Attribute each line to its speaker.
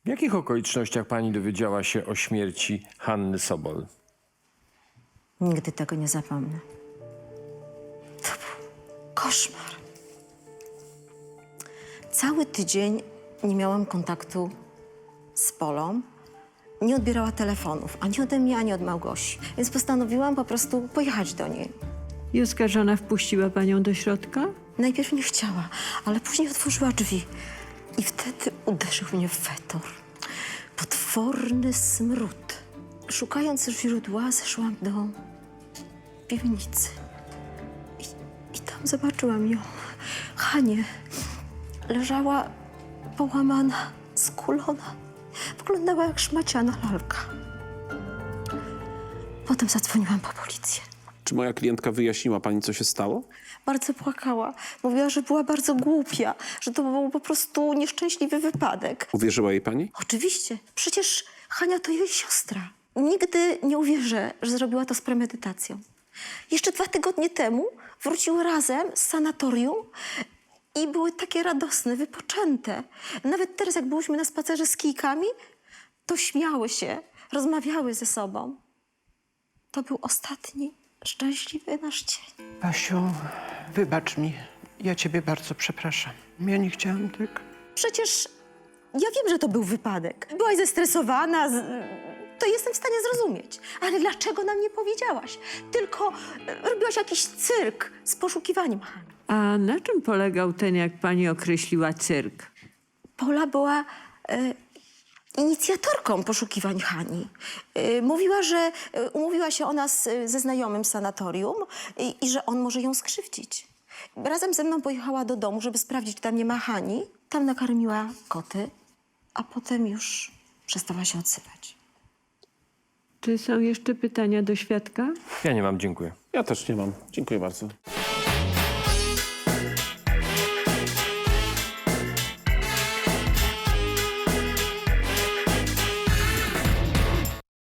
Speaker 1: W jakich okolicznościach pani dowiedziała się o śmierci Hanny Sobol?
Speaker 2: Nigdy tego nie zapomnę. To był koszmar. Cały tydzień nie miałam kontaktu z Polą. Nie odbierała telefonów, ani ode mnie, ani od Małgosi. Więc postanowiłam po prostu pojechać do niej.
Speaker 3: I oskarżona wpuściła panią do środka?
Speaker 2: Najpierw nie chciała, ale później otworzyła drzwi. I wtedy uderzył mnie fetor. Potworny smród. Szukając źródła, zeszłam do piwnicy. I tam zobaczyłam ją, Hanię. Leżała połamana, skulona. Wyglądała jak szmaciana lalka. Potem zadzwoniłam po policję.
Speaker 4: Czy moja klientka wyjaśniła pani, co się stało?
Speaker 2: Bardzo płakała. Mówiła, że była bardzo głupia, że to był po prostu nieszczęśliwy wypadek.
Speaker 4: Uwierzyła jej pani?
Speaker 2: Oczywiście. Przecież Hania to jej siostra. Nigdy nie uwierzę, że zrobiła to z premedytacją. Jeszcze 2 tygodnie temu wróciły razem z sanatorium i były takie radosne, wypoczęte. Nawet teraz, jak byłyśmy na spacerze z kijkami, to śmiały się, rozmawiały ze sobą. To był ostatni szczęśliwy nasz dzień.
Speaker 5: Basiu, wybacz mi. Ja ciebie bardzo przepraszam. Ja nie chciałam tak.
Speaker 2: Przecież ja wiem, że to był wypadek. Byłaś zestresowana, to jestem w stanie zrozumieć. Ale dlaczego nam nie powiedziałaś? Tylko robiłaś jakiś cyrk z poszukiwaniem Hani.
Speaker 3: A na czym polegał ten, jak pani określiła, cyrk?
Speaker 2: Pola była inicjatorką poszukiwań Hani. Mówiła, że umówiła się ona ze znajomym z sanatorium i że on może ją skrzywdzić. Razem ze mną pojechała do domu, żeby sprawdzić, czy tam nie ma Hani. Tam nakarmiła koty, a potem już przestała się odsypać.
Speaker 3: Czy są jeszcze pytania do świadka?
Speaker 1: Ja nie mam, dziękuję.
Speaker 4: Ja też nie mam. Dziękuję bardzo.